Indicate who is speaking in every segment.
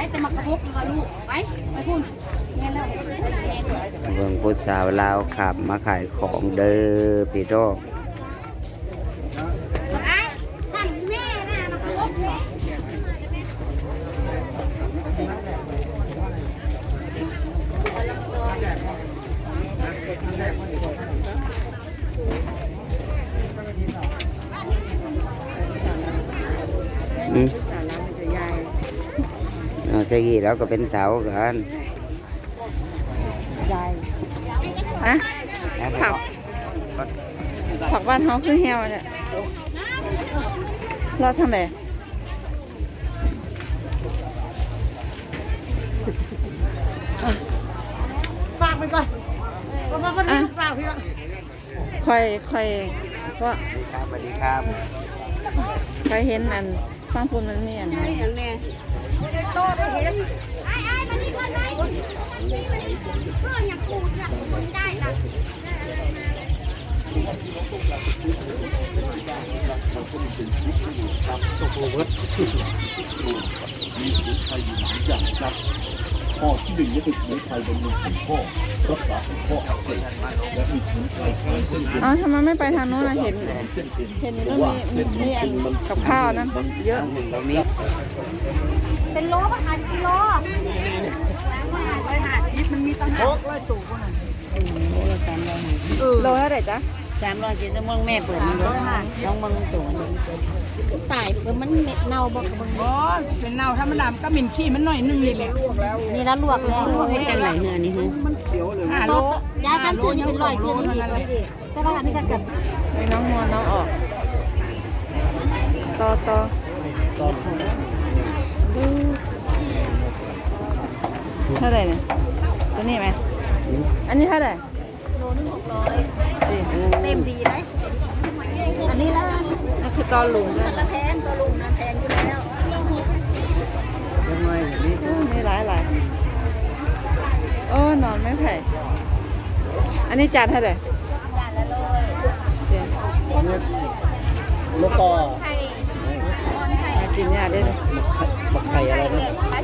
Speaker 1: แต่มักกระพุกมาลูกไปพูดแม่แล้ว
Speaker 2: เบิ่งผู้สาวลาวขับมาขายของเด้อพี่น้องเจ้ากี้แล้วก็เป็นสาวกัน
Speaker 3: ฮะผักบ้านเขาคือเหี่ยวเนี่ยเราทำไร
Speaker 1: ฝากไปก่อนมาคนนี้ฝากพี่
Speaker 3: ค่อยว่า
Speaker 2: สวัสดีครับ
Speaker 3: ใครเห็นอันฟังพูดมันมีอันนี้
Speaker 1: อย่างนี้โตไปเห็นไอ้มานี่ก่อนเลยเพื่อนอยากพูดอยากพูดได้นะ
Speaker 4: มีสมุนไพรอยู่หลายอย่างครับข้อที่หนึ่งก็คือสมุนไพรบำรุงผิวข้อรักษาข้ออักเสบและมีสมุนไพรคลายเส้นเอ็น
Speaker 3: ทำไมไม่ไปทางโน้นนะเห็น
Speaker 4: เส้นเอ็น
Speaker 3: เห็น
Speaker 4: เพ
Speaker 3: แล้ว
Speaker 4: ราะว่าเส้น
Speaker 3: มีอันกับข้าวนั้นเยอะ
Speaker 2: เรามี
Speaker 1: เป็นโลป่ะคะกิโลมันมีตั้ง500 ตู้ขนาด
Speaker 3: โลเท่าไหร่จ๊ะ
Speaker 1: 300กิโลมึงแม่เปิดมันด้วยน้องมึงตัวตายเปิดมันเน่าบ่มึงบ่เป็นเน่าถ้ามันดำก็มินขี้มันหน่อยนึงนี่แหละนี่แล้วลวกแล้วเฮ็ดจังไหนเนื้อนี่ฮะมันเขียวเลย5 โลย้ายกันคืนนี่เป็น100 คืนนี่แต่ว่านี่ก็เกิด
Speaker 3: ให้น้องนวลน้องออกต่อเท่าไหร่เนี่ยตัวนี้ไหมอันนี้เท่าไหร่
Speaker 1: โลนึง600เต็มดีได้อันนี้ละ
Speaker 3: นั่นคือตอนลุงด้วย
Speaker 1: ละแพงตัวลุงนะแพงอยู่แล้ว
Speaker 2: ยังไงนี่
Speaker 3: มีหลายโอ้นอนไม่ไผ่อันนี้จานเท่าไหร่
Speaker 1: จานละ100
Speaker 4: แล้วก็
Speaker 3: กินยาได้เลย
Speaker 4: บักไข่อะไรนะ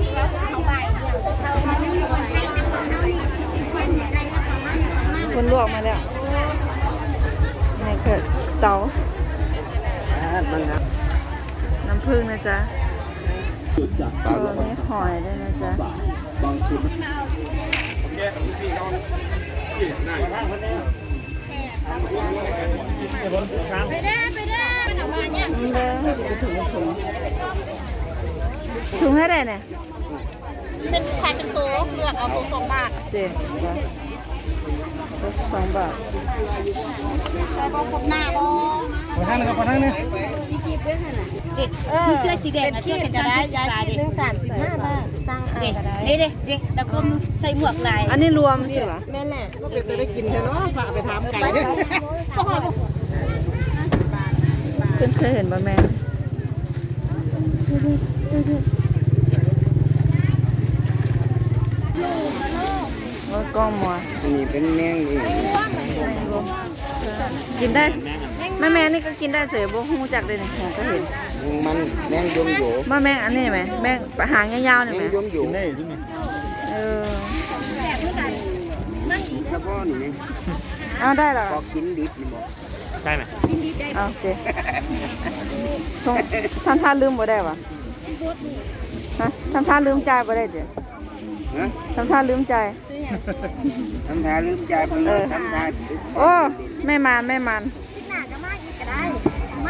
Speaker 3: คนลวกมาแล้วนี่คือเตาน้ำผึ้งนะจ๊ะตัวนี้หอยด้วยนะจ๊ะ
Speaker 4: บางคน
Speaker 1: ไปได้มันออกมาเนี่ย
Speaker 3: ถุงให้ได้เนี่ย
Speaker 1: เป็นขายเป็นตัวเลือกเอาตัว2 บาท
Speaker 3: เจ๊2 บาท
Speaker 1: ใส่บกบหน้าบ
Speaker 4: ขอท่านนะครับขอท่านนี่
Speaker 1: มีกีบด้วยค่ะน่ะมีเสื้อสีแดงเสื้อเป็นจะได้ย้ายเรื่อง35 บาทสร้างอ่างก็ได้เด็กตะกมใส่หมวกลาย
Speaker 3: อันนี้รวมใช่ปะ
Speaker 1: แม่แหละ
Speaker 5: ก็เป็นจะได้กินเถอะเนาะฝากไปทำไก่เนี่ย
Speaker 3: คุณเคยเห็นบะแม่ว่ากล้องมัว
Speaker 2: นี่เป็นแมงนี่
Speaker 3: กินได้แม่นี่ก็กินได้เฉยบ่ฮู้จักเลยนี่ผมก็เห็น
Speaker 2: มันแมงยมอยู่
Speaker 3: มาแม่งอันนี้ไหมแม่งหางยาวๆนี่ไหม
Speaker 2: ยมอยู่
Speaker 4: นี่ที่นี่
Speaker 2: เฉพาะนี่
Speaker 3: เอาได้หรอ
Speaker 2: พอกินดิบนี่บ่
Speaker 4: ได้ไหม
Speaker 1: กินดีได้
Speaker 3: โอเคท่านลืมบ่ได้ปะฮะท่านลืมใจบ่ได้เดี๋ยวท่านลืมใจ
Speaker 2: ทำท่าลืมใจไปเลยทำท่า
Speaker 3: โอ้ไม่มัน
Speaker 1: หน้าก็มาอีกก็ได้